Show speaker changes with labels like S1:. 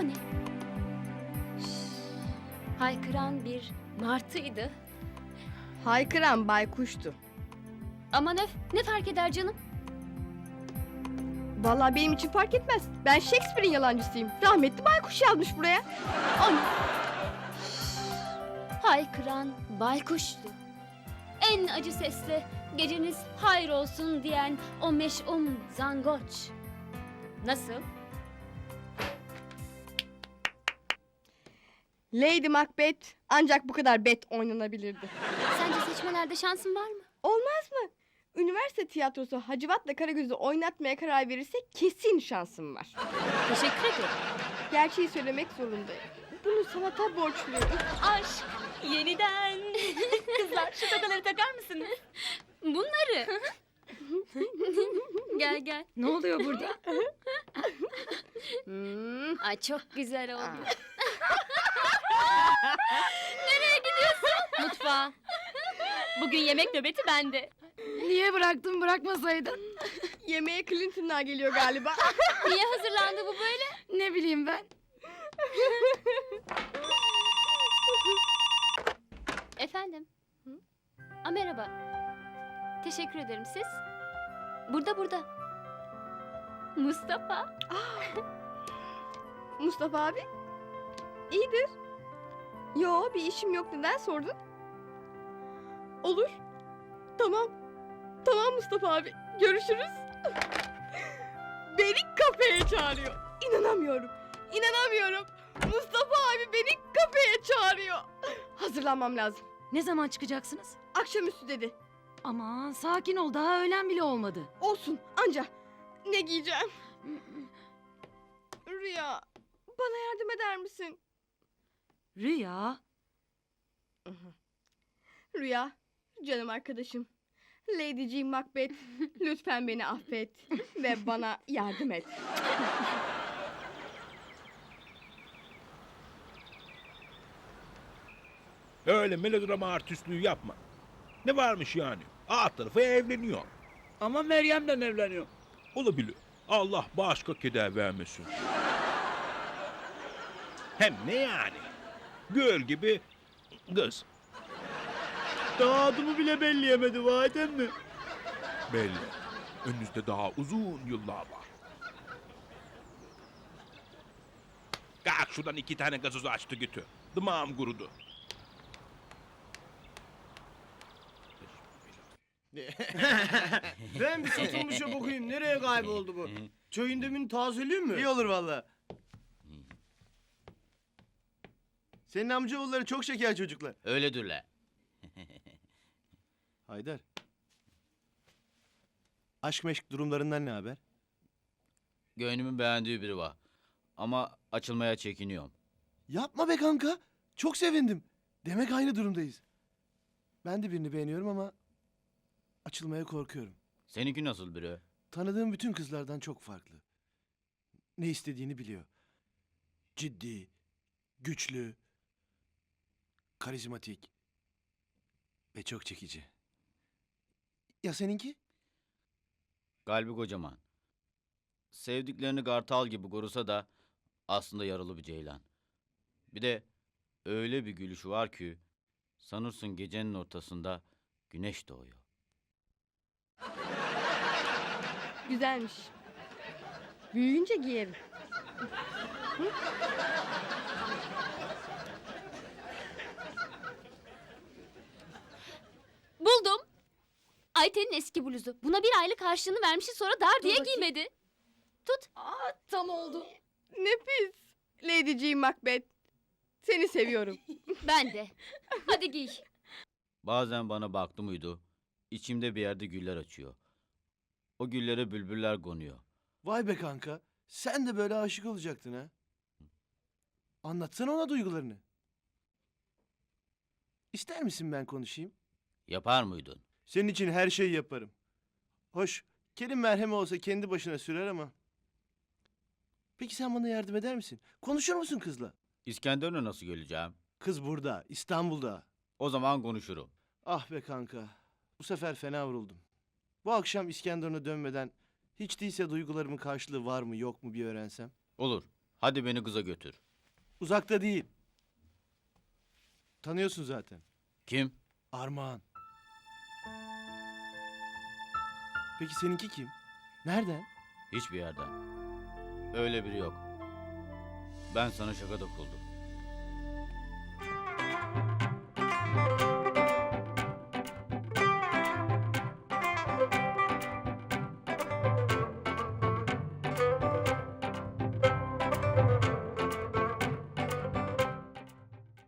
S1: O ne? Haykıran bir martıydı.
S2: Haykıran baykuştu.
S1: Aman öf, ne fark eder canım?
S2: Vallahi benim için fark etmez. Ben Shakespeare'in yalancısıyım. Rahmetli baykuş yazmış buraya.
S1: O ne? Haykıran baykuştu. En acı sesle geceniz hayır olsun diyen o meş'um zangoç. Nasıl?
S2: Lady Macbeth ancak bu kadar bet oynanabilirdi.
S1: Sence seçmelerde şansın var mı?
S2: Olmaz mı? Üniversite tiyatrosu Hacivat'la Karagöz'ü oynatmaya karar verirse kesin şansım var.
S1: Teşekkür ederim.
S2: Gerçeği söylemek zorundayım. Bunu sanata borçluyum.
S3: Aşk yeniden. Kızlar şu tokaları takar mısınız?
S1: Bunları. Gel gel.
S3: Ne oluyor burada?
S1: Ay çok güzel oldu.
S3: Mutfağa. Bugün yemek nöbeti bende.
S4: Niye bıraktın, bırakmasaydın?
S2: Yemeğe Clinton'lar geliyor galiba.
S1: Niye hazırlandı bu böyle?
S4: Ne bileyim ben.
S1: Efendim? Merhaba. Teşekkür ederim, siz? Burada. Mustafa.
S2: Mustafa abi. İyidir. Yo, bir işim yok, neden sordun? Olur. Tamam. Tamam Mustafa abi. Görüşürüz. Beni kafeye çağırıyor. İnanamıyorum. Mustafa abi beni kafeye çağırıyor. Hazırlanmam lazım.
S4: Ne zaman çıkacaksınız?
S2: Akşamüstü dedi.
S4: Aman sakin ol, daha öğlen bile olmadı.
S2: Olsun anca. Ne giyeceğim? Rüya, bana yardım eder misin?
S4: Rüya.
S2: Rüya, canım arkadaşım. Lady Jean Macbeth, lütfen beni affet ve bana yardım et.
S5: Öyle melodrama artistliği yapma. Ne varmış yani? Alt tarafı evleniyor.
S6: Ama Meryem'le evleniyor.
S5: Olabilir. Allah başka keder vermesin. Hem ne yani? Göl gibi kız.
S6: Daha adımı bile belleyemedi vahiden mi?
S5: Belli. Önünüzde daha uzun yıllar var. Kalk şuradan 2 tane gazozu açtı götür. Dımağım kurudu.
S6: Ben bir satılmışa bakayım. Nereye kayboldu bu? Çayın demin tazeleyeyim mi?
S7: İyi olur valla. Senin amcaoğulları çok şeker çocuklar.
S8: Öyledirler.
S7: Haydar. Aşk meşk durumlarından ne haber?
S8: Gönlümün beğendiği biri var. Ama açılmaya çekiniyorum.
S7: Yapma be kanka. Çok sevindim. Demek aynı durumdayız. Ben de birini beğeniyorum ama açılmaya korkuyorum.
S8: Seninki nasıl biri?
S7: Tanıdığım bütün kızlardan çok farklı. Ne istediğini biliyor. Ciddi, güçlü, karizmatik ve çok çekici. Ya seninki?
S8: Kalbi kocaman. Sevdiklerini kartal gibi korusa da aslında yaralı bir ceylan. Bir de öyle bir gülüşü var ki sanırsın gecenin ortasında güneş doğuyor.
S2: Güzelmiş. Büyüyünce giyerim.
S1: Buldum. Ayten'in eski bluzu. Buna bir aylık harçlığını vermişsin, sonra dar diye
S4: bakayım.
S1: giymedi. Tut.
S4: Tam oldu.
S2: Nefis. Lady Jean Macbeth. Seni seviyorum.
S1: Ben de. Hadi giy.
S8: Bazen bana baktı mıydı, içimde bir yerde güller açıyor. O güllere bülbüller konuyor.
S7: Vay be kanka. Sen de böyle aşık olacaktın ha. Anlatsana ona duygularını. İster misin ben konuşayım?
S8: Yapar mıydın?
S7: Senin için her şeyi yaparım. Hoş, Kerim merhemi olsa kendi başına sürer ama. Peki sen bana yardım eder misin? Konuşur musun kızla?
S8: İskenderun'a nasıl geleceğim?
S7: Kız burada, İstanbul'da.
S8: O zaman konuşurum.
S7: Ah be kanka, bu sefer fena vuruldum. Bu akşam İskenderun'a dönmeden hiç değilse duygularımın karşılığı var mı yok mu bir öğrensem.
S8: Olur. Hadi beni kıza götür.
S7: Uzakta değil. Tanıyorsun zaten.
S8: Kim?
S7: Armağan. Peki seninki kim? Nereden?
S8: Hiçbir yerden. Öyle biri yok. Ben sana şakada kuruldum.